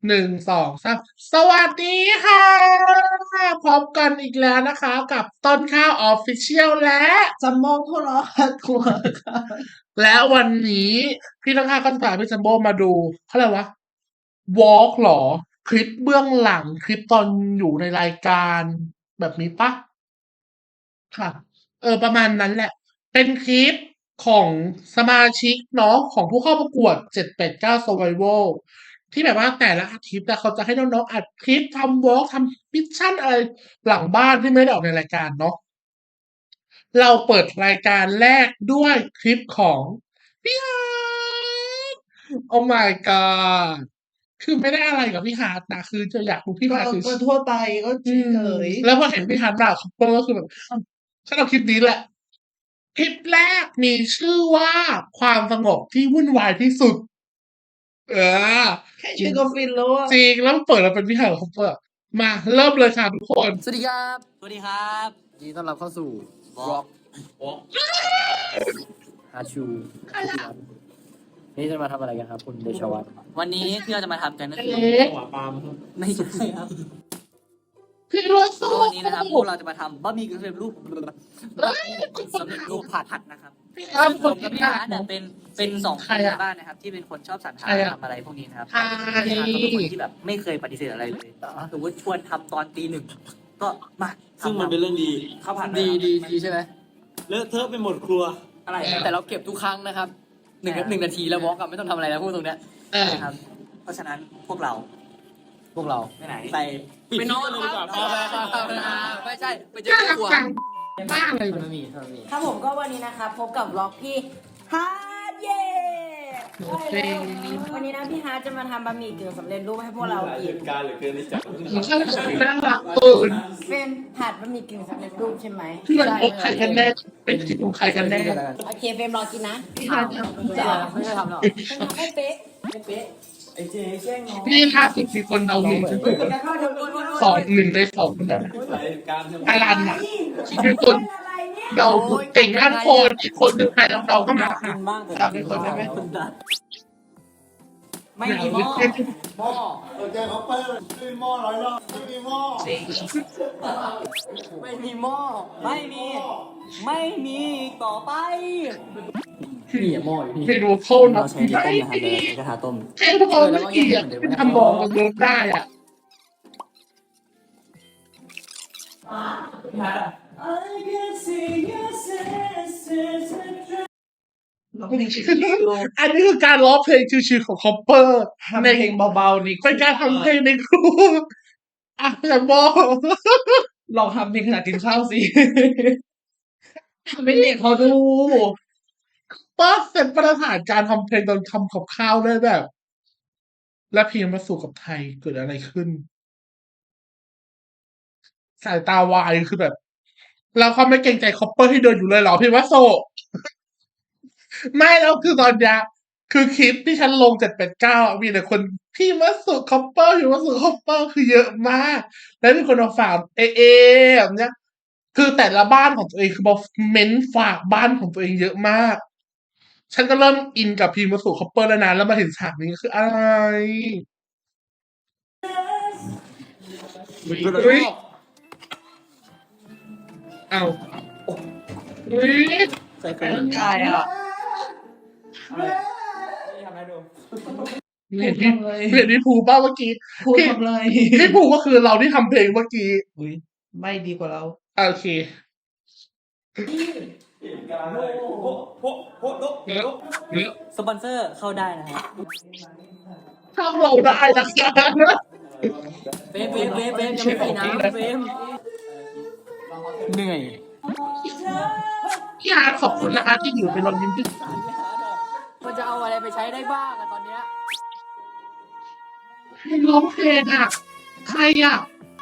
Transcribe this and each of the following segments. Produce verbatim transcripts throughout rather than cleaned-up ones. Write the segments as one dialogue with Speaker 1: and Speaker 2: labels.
Speaker 1: หนึ่งสองสามสวัสดีค่ะพบกันอีกแล้วนะคะกับต้นข้าวออฟฟิเชียลและ
Speaker 2: จัมโบ้ผู้ล้อทัวร์ค่ะ
Speaker 1: และวันนี้พี่ต้นข้าวก็จะพาพี่จัมโบ้มาดูเขาเรียกว่าวอล์กหรอคลิปเบื้องหลังคลิปตอนอยู่ในรายการแบบนี้ปะค่ะเออประมาณนั้นแหละเป็นคลิปของสมาชิกเนาะของผู้เข้าประกวดเจ็ดแปดเก้า Survival ที่แบบว่าแต่ละอาทิตย์แต่เขาจะให้น้องๆอัดคลิปทำวอล์กทำมิชชั่นอะไรหลังบ้านที่ไม่ได้ออกในรายการเนาะเราเปิดรายการแรกด้วยคลิปของพี่ฮาร์ดโอ้ my god คือไม่ได้อะไรกับพี่ฮาร์ดนะคือจะอยากดูพี่
Speaker 2: ก็
Speaker 1: ฮาร์ดคือ
Speaker 2: ก็ทั่วไปก็
Speaker 1: อื
Speaker 2: เฉ
Speaker 1: ม
Speaker 2: ย
Speaker 1: แล้วพอเห็นพี่ฮาร์ดมาเขาก็คือแบบฉันเอาคลิปนี้แหละ คลิปแรกมีชื่อว่าความสงบที่วุ่นวายที่สุด เออ
Speaker 2: แค่ชื่อก็ฟินแล้วอะ
Speaker 1: จริงแล้วเปิดมาเป็นพี่ฮาร์ดเขาเปิดมาเริ่มเลยค่ะทุกคน
Speaker 3: สวัสดีครับ
Speaker 4: สวัสดีครับ
Speaker 3: ยินดีต้อนรับเข้าสู่
Speaker 4: Rock
Speaker 3: Rock ฮาชูนี่จะมาทำอะไรกันครับ คุณเดชวัฒน์
Speaker 4: วันนี้ที่เราจะมาทำกันก็คือ
Speaker 1: เอ๊ะ
Speaker 4: ไม่ใช่ครับ
Speaker 1: พี่รู้สึ
Speaker 4: ก็วันนี้นะครับพวกเราจะมาทำบะหมี่กึ่งสำเร็จรูปสำเร็จรูปผัดผัดนะครับ
Speaker 1: พี่ฮาร์ด
Speaker 4: ผ
Speaker 1: คน
Speaker 4: มกับ
Speaker 1: ที่
Speaker 4: พี่
Speaker 1: ฮา
Speaker 4: ฮา
Speaker 1: ร์
Speaker 4: ร์
Speaker 1: ด
Speaker 4: ดเนี่ยเป็นเป็นสองค
Speaker 1: ใคร
Speaker 4: น
Speaker 1: อะ
Speaker 4: ในบ้านนะครับ ที่เป็นคนชอบสรรหา
Speaker 1: ใครอะ
Speaker 4: ทำอะไรพวกนี้นะครับ
Speaker 1: ใคร
Speaker 4: พี่ฮาร์ดก็เป็นคนที่แบบไม่เคยปฏิเสธอะไรเลยสมมติชวนทำตอนตีหนึ่งก็มา
Speaker 5: ซึ่งมันเป็นเรื่องดี
Speaker 4: ข้าวผัด
Speaker 3: ดีดีดีใช่ไหม
Speaker 5: เลอะเทอะไปหมดครัว
Speaker 4: อะไร
Speaker 3: แต่เราเก็บทุกครั้งนะครับหนึ่งหนึ่งนาทีแล้ววอล์กอะไม่ต้องทำอะไรแล้วพูดตรงเนี้ย
Speaker 1: เออ
Speaker 4: ครับ เพราะฉะนั้นพวกเรา
Speaker 3: พวกเรา
Speaker 4: ไปไหน
Speaker 5: ไป
Speaker 3: ไปนอน
Speaker 5: เลยดีกว่า
Speaker 3: เอาไปเอาไปเอาไปไม่ใช่ไปเจอ
Speaker 1: น่า
Speaker 3: คร
Speaker 1: รั
Speaker 3: อก บครัว
Speaker 1: จังบ้าอะไร
Speaker 3: มั
Speaker 1: เนี่ย
Speaker 3: นมีมันมี
Speaker 6: ครับผมก็วันนี้นะคะพบกับล็อกพี่ฮาร์ดเย่
Speaker 1: โอเค
Speaker 6: วันนี้นะพี่ฮาร์ดจะมาทำบะหมี่กึ่งสำเร็จรูปให้พวกเรากิน
Speaker 5: การเหลือเกินที่จับ
Speaker 1: น่ารักเปิด
Speaker 6: เป็นผัดบะหมี่กึ่งสำเร็จรูปใช่ไหม
Speaker 1: ที่มันพบใครกันแน่เป็นคลิปของใครกันแน่
Speaker 6: โอเคเฟรมรอกินนะ
Speaker 1: พี่ฮาร์ดเนี่ย
Speaker 3: จะไม่ใช่ทำหรอก
Speaker 6: เป็นทำให้เป๊ะ
Speaker 5: ไอ้เจ๊แช่งน้อง
Speaker 1: นี่ถ้าสิบมีคนเอาหนึ่งสองหนึ่งในสองนะ
Speaker 5: รายการ
Speaker 1: ไทยรันอ่ะเป็นคนเราเก่งด้านโคนอีกคนหนึ่งใครเราเราก็มาค่ะทำเป็นคนได้ไหม
Speaker 6: ไม่มีหม้อ
Speaker 5: หม้อตัวแกเขาเปิดไม่มีหม้อร้อยรอบไม่มีหม้อ
Speaker 4: ไม่มีหม้อไม่มี ไม่มีต่อไป
Speaker 3: นี่หม้ออยู่นี่
Speaker 1: ไปดูโทษนะไม่ดี
Speaker 4: กระทะต้ม
Speaker 1: แค่ทุกคนไม่ดีอ่ะเป็นทำบอกมันลดได้อ่ะอันนี้คือการร้องเพลงชิวๆของคอปเปอร์
Speaker 2: ทำเพลงเบาๆนี่
Speaker 1: เป็นการทำเพลงในครัวอ่ะอย่าบอก
Speaker 2: ลองทำเพลงขณะกินข้าวสิทำให้เด็กเขาดู
Speaker 1: ป้าเป็นประธานการทำเพลงตอนทำกับข้าวได้แบบ และเพลงมาสู่กับไทยเกิดอะไรขึ้น สายตาวายคือแบบ เราเขาไม่เกรงใจคอปเปอร์ที่เดินอยู่เลยเหรอพี่วัสโซ ไม่แล้วคือตอนเนี้ยคือคลิปที่ฉันลงเจ็ดแปดเก้ามีแต่คนพี่วัสสุคอปเปอร์พี่วัสสุคอปเปอร์คือเยอะมาก แล้วมีคนมาฝากเอเอแบบเนี้ย คือแต่ละบ้านของตัวเองคือมาเม้นฝากบ้านของตัวเองเยอะมาก ฉันก็เริ่มอินกับพีวัสสุคอปเปอร์แล้วนะแล้วมาเห็นฉากนี้คืออะไรเฮ้ยเอาเฮ้ย
Speaker 4: ใส่เกลือ
Speaker 2: ใช่อ่ะ
Speaker 1: เห็นที่เห็นที่ภูป้าเมื่อกี้
Speaker 2: พูดทำไร
Speaker 1: พี่ภูก็คือเราที่ทำเพลงเมื่อกี้
Speaker 2: อุ้ยไม่ดีกว่าเรา
Speaker 1: โอเค
Speaker 5: โอ้โหโอ้โห
Speaker 1: เนื้อเนื้อ
Speaker 4: สปอนเซอร์เข้าได้นะฮะ
Speaker 1: ถ้าเราได้นะคะ
Speaker 4: เฟรมเฟรมเฟรมเฟรมยังไม่มีน้ำเฟรม
Speaker 3: เหนื่อย
Speaker 1: พี่อาร์ตขอบคุณนะคะที่อยู่เป็นรอยยิ้มที่
Speaker 3: มันจะเอาอะไรไปใช้ได้บ้างอะตอนเนี้ย
Speaker 1: ให้ร้องเพลงอ่ะ ใครอ่ะ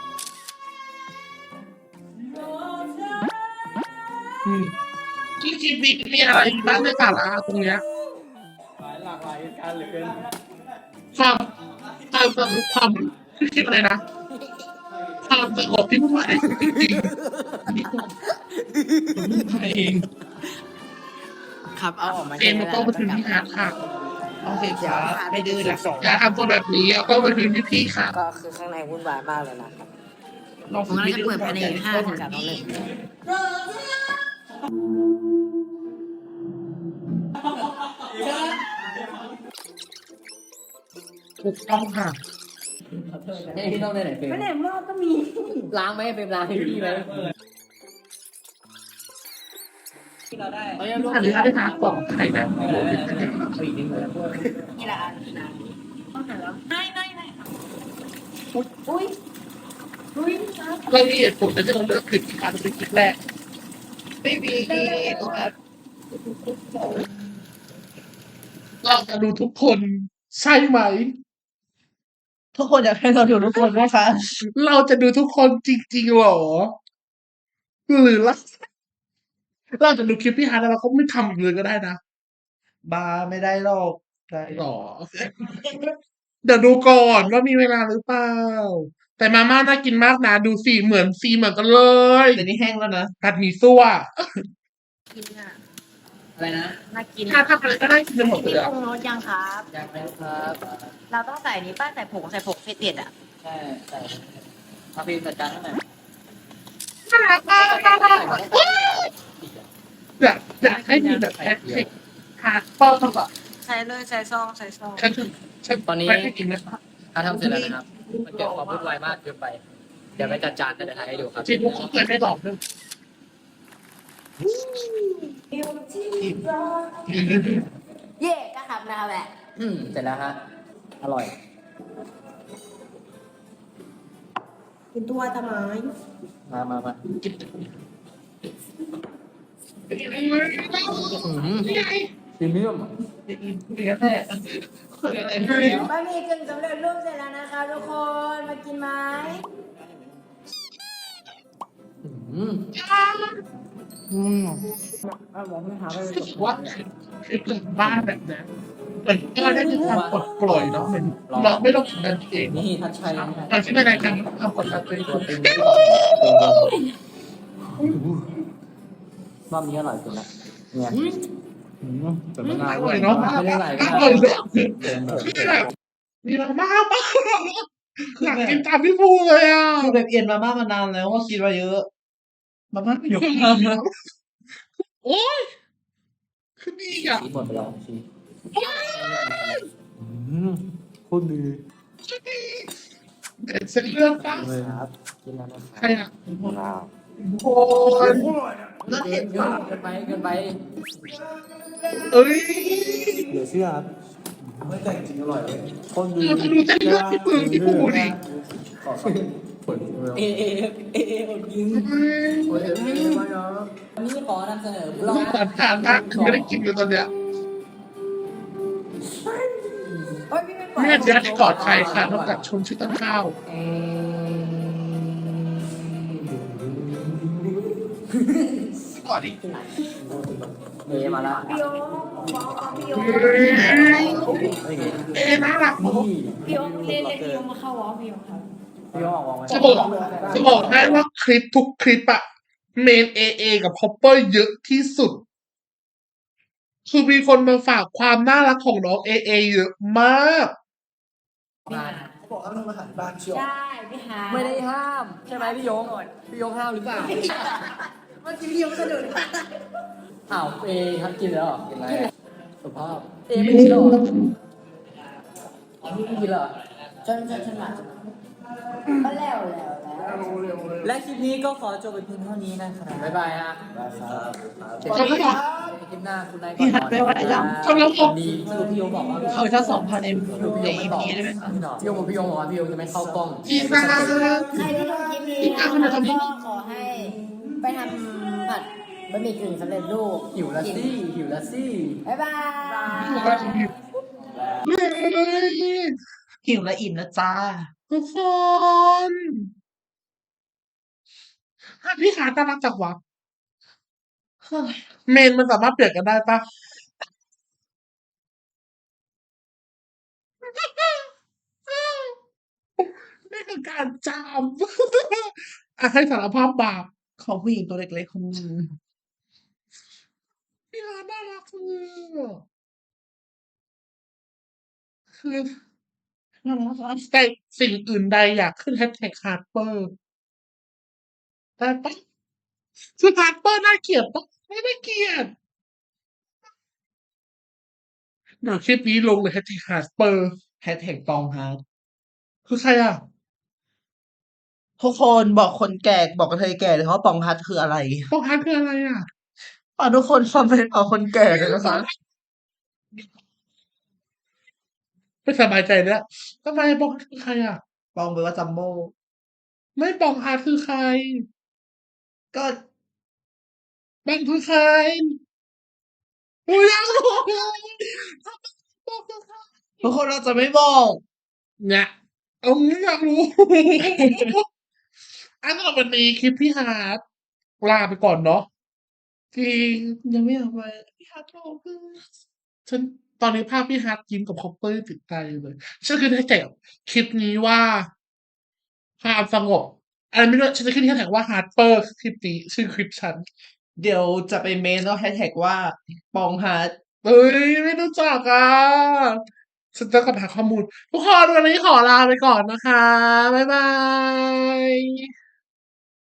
Speaker 1: อืมที่คลิปนี้มีอะไรบ้างในสาระตรงเนี้ย
Speaker 5: หลากหลายการเหลือเกิน
Speaker 1: ความความความความคลิปอะไรนะความสงบที่ผู้ใหญ่จริงๆอันนี้ความ
Speaker 2: เอง
Speaker 3: ครับเอาออกมา
Speaker 1: เอ็มมันต้องมาถึงที่อาร์ตค่ะ
Speaker 2: โอเคครับไม่ดื้อนะ
Speaker 1: อย่าทำตัวแบบนี้เอาต้องไปคืนพี่ๆค่ะ
Speaker 6: ก็คือข้างในวุ่นวายมากเลยนะครับ
Speaker 2: ลอง
Speaker 6: ผมน่าจะเปิดภายในห้าถึงสามนาที
Speaker 1: ถูกต้องค่ะ
Speaker 3: ให้พี่ต้องได้ไหนเฟรม
Speaker 6: ไม่แน่รอบก็มี
Speaker 3: ล้างไหมเฟรมล้างให้พี่ไหม
Speaker 2: ที่เราได้
Speaker 3: เอาอย่างลูก
Speaker 1: อันนี้อันนี้หากล่องไข่นะ
Speaker 3: เอาอีกนิดนึง
Speaker 6: นี่ละอันนะต้องหาแล้วไม่ไม่ไม่อุ้ยอุ้ยอุ้ย
Speaker 1: รายละเอียดผมจะต้องเลือกคลิปที่อาจจะเป็นคลิปแรก
Speaker 2: ไม่มีครับ
Speaker 1: เราจะดูทุกคนใช่ไหม
Speaker 2: ทุกคนอยากให้เราดูทุกคนนะคะ
Speaker 1: เราจะดูทุกคนจริงๆหรอ หรือเราเราจะดูคลิปพี่ฮาร์ดแล้วเราก็ไม่ทำอีกเลยก็ได้นะ
Speaker 2: บาร์ไม่ได้หรอกได้
Speaker 1: หรอ เดี๋ยวดูก่อนว่ามีเวลาหรือเปล่า แต่มาม่าน่ากินมากนะดูสีเหมือนสีเหมือนกันเลย
Speaker 2: แต่นี่แห้งแล้วนะ
Speaker 1: ผัดหมี่ซั่ว
Speaker 6: กินอ่ะ
Speaker 3: อะไรนะ
Speaker 6: น่ากิน
Speaker 1: ถ้าทำอะไรก็ได้กินไปหมดเลย
Speaker 6: พี่
Speaker 1: อะ
Speaker 6: ปรุงรสยังครับ
Speaker 3: อยากไปครับ
Speaker 6: เราต้องใส่นี้ป้าใส่ผงใส่ผงเฟเต็ดอ่ะ
Speaker 3: ใช่ใส่เอาฟิล์มจัดการให้หน่อย
Speaker 1: อยากอยากให้มีแบบแพ็คเค้กฮาร์ดเปอร์แบบ
Speaker 6: ใส่เลยใส่ซองใส่ซอง
Speaker 1: ฉันถึงฉัน
Speaker 3: ตอนนี้
Speaker 1: ไม่ให้กินนะ
Speaker 3: ถ้าทำเสร็จแล้วนะครับ มันเกิดความวุ่นวายมากเกินไป เดี๋ยวไปจัดจานกันเดี๋ยวถ่ายให้ดูครับ
Speaker 1: จริงๆเขาเคยไม่บอกด้วย
Speaker 6: เย่ก็ทำนะครับแหละ
Speaker 3: อืมเสร็จแล้วฮะ อร่อย
Speaker 6: กินตัวตะไม้
Speaker 3: มามามา
Speaker 1: กิน
Speaker 3: อืมพรีเมียม
Speaker 1: เนื้อแท้
Speaker 6: บะหมี่กึ่งสำเร็จรูปเสร็จแล้วนะคะทุกคนมากินไหม
Speaker 3: อืม
Speaker 2: อืม
Speaker 6: เอาบอกไม่หาไป
Speaker 1: รู้สึกว่าคลิปหลังบ้านแบบนั้นเหมือนก็ได้มีความปลดปล่อยเนาะเหมือนเราไม่ต้องทำงานเอง
Speaker 3: นี่ทัชชัยนะฮะ
Speaker 1: ตอนที่ในรายการทำกดดันตัวเอง
Speaker 3: ตัวตึงรอบนี้อร่อยสุดละเนี่ยแต่ไม่
Speaker 1: อ
Speaker 3: น่า
Speaker 1: ร่อยเนาะ
Speaker 3: ไม่ได้ไหล
Speaker 1: อ
Speaker 3: ไม่
Speaker 1: ร่อย
Speaker 3: ได้
Speaker 1: เลย
Speaker 3: เต็มแบบ
Speaker 1: มีมากมากอยากกินตามพี่ภูเลยอ่ะ
Speaker 2: คือแบบเอ็นมาม่ามานานแล้วว่าคิดว่าเยอะ มาม่าเยอะมากนะ
Speaker 1: โอ้ยคือดีอ่ะ
Speaker 3: ชีสหมดไปแล้วชีสอืมโคตรดี
Speaker 1: เด็ดเส้นเรื่องป่ะ
Speaker 3: เลยครับกินแล้วนะ
Speaker 1: ใครอ่ะ
Speaker 3: ครับ
Speaker 1: โอ้ย
Speaker 3: เกินเกินเกินไปเกินไป
Speaker 1: เอ้ย
Speaker 3: เดี๋ยวเชื่อครับไม่แต่จริงอร่อยเลยโคตรดี
Speaker 1: เราจะดูเส้นเรื่องพี่ภูพี่ภูดิ
Speaker 3: ขอเอเอเอเออดยิงโอ้ยเอเอมาเนาะวันนี้ขอนำเสนอล
Speaker 1: เรา
Speaker 3: อง
Speaker 1: ผ่านทางมากไม่ได้กินเลยตอนเนี้ย
Speaker 6: โอ้ยพี่ไม่ปล่อย
Speaker 1: แม่จะได้กอดใครค่ะนอกจากชมชื่อต้นข้าวกอดอีก
Speaker 3: เอมาละ
Speaker 6: พี่โยบอกเอาพี่โย
Speaker 1: เอ๊ะน่ารักเนอะ
Speaker 6: พี่โยเล่นเล่นพี่โยมาเข้าวอพี่โยครับ
Speaker 3: พี่ออกวางไว้
Speaker 1: จะบอกจะบอกให้ว่าคลิปทุกคลิปอะเมนเอเอกับฮอปเปอร์เยอะที่สุด คือมีคนมาฝากความน่ารักของน้องเอเอเยอะมาก
Speaker 3: งาน
Speaker 5: บอกให้มันมาหาบ้านเชียว
Speaker 6: ใช่พี่ฮา
Speaker 3: ไม่ได้ห้ามใช่ไหมพี่ยงพี่ยงห้ามหรือเปล่า
Speaker 6: เมื่อกี้พี่โยกระโดด
Speaker 3: อ้าวเอครับกินแล้วเหรอกินอะไรสุภาพเอไม่กินแล้วเหรออ๋อพี่ไม่กินเหรอ
Speaker 6: จนจนจนหลังก็แล้วแล้วแล้วและคลิปนี้ก็ขอจบไปเพียงเท่านี้นะครับ
Speaker 3: บ๊ายบายฮะ
Speaker 1: ขอบคุณครับ
Speaker 3: คลิปหน้าคุณนาย
Speaker 2: พี่หัดไปไหวแล้ว
Speaker 1: ขอบคุณครับ
Speaker 3: ดีสรุปพี่ยงบอกว่า
Speaker 2: เขาถ้าสองพันเอ็มใน
Speaker 3: พี่ยง
Speaker 2: อี
Speaker 3: ไม่ตอบ
Speaker 2: พีได้ไหมคะ
Speaker 3: พี่ยงบอกพี่ยงบอกว่าพี่ยงจะไม่เข้ากล้อง
Speaker 1: อีกนะ
Speaker 6: ใครที่ดูคลิปนี้นะครับก็ขอให้ไปทำผัดบะหมี่กึ่งสำเร็จรูป
Speaker 3: หิวละซี่หิวละซี่
Speaker 6: บ๊ายบาย
Speaker 2: หิวและอิ่มนะจ้า
Speaker 1: ทุกคนพี่ขาน่ารักจังวะเฮ้ยเมนมันสามารถเปลี่ยนกันได้ปะนี่คือการจาม อ่ะให้สารภาพบาป
Speaker 2: ของผู้หญิงตัวเล็กๆคนนึง
Speaker 1: พี่ขาน่ารักจังเลยอะคือแต่สิ่งอื่นใดอยากขึ้นแฮชแท็กฮาร์เปอร์ได้ปะคือฮาร์เปอร์น่าเกลียดปะไม่น่าเกลียดเดี๋ยวคลิปนี้ลงเลยแฮชแท็กฮาร์เปอร์
Speaker 2: แฮชแท็กปองฮาร์ด
Speaker 1: คือใครอ่ะ
Speaker 2: ทุกคนบอกคนแก่บอกกระเทยแก่เลยว่าปองฮาร์ดคืออะไร
Speaker 1: ปองฮาร์ดคืออะไรอ่ะ
Speaker 2: ฝากทุกคนคอมเมนต์บอกคนแก่เลยนะคะ
Speaker 1: ไม่สบายใจแล้วทำไมปองฮาร์ดคือใครอ่ะ
Speaker 2: ปองแปลว่าจัมโบ้
Speaker 1: ไม่ปองฮาร์ดคือใคร
Speaker 2: ก็
Speaker 1: ปองคือใครกูอยากรู้ปองคือใคร
Speaker 2: ทุกคนเราจะไม่บอก
Speaker 1: เนี่ยเอางี้อยากรู้ อันนั้นวันนี้คลิปพี่ฮาร์ดลาไปก่อนเนาะจริง
Speaker 2: ยังไม่อยากไปพี่ฮาร์ดโลก
Speaker 1: ฉันตอนนี้ภาพพี่ฮาร์ดยิ้มกับคอปเปอร์ติดใจเลยฉันคือได้แต่คลิปนี้ว่าความสงบอะไรไม่รู้ฉันจะขึ้นแฮชแท็กว่าฮาร์ดเปอร์คลิปนี้ชื่อคลิปฉัน
Speaker 2: เดี๋ยวจะไปเมนแล้วแฮชแท็กว่าปองฮาร์ด
Speaker 1: เอ้ยไม่รู้จักอ่ะฉันจะกลับหาข้อมูลทุกคนวันนี้ขอลาไปก่อนนะคะ บ๊ายบาย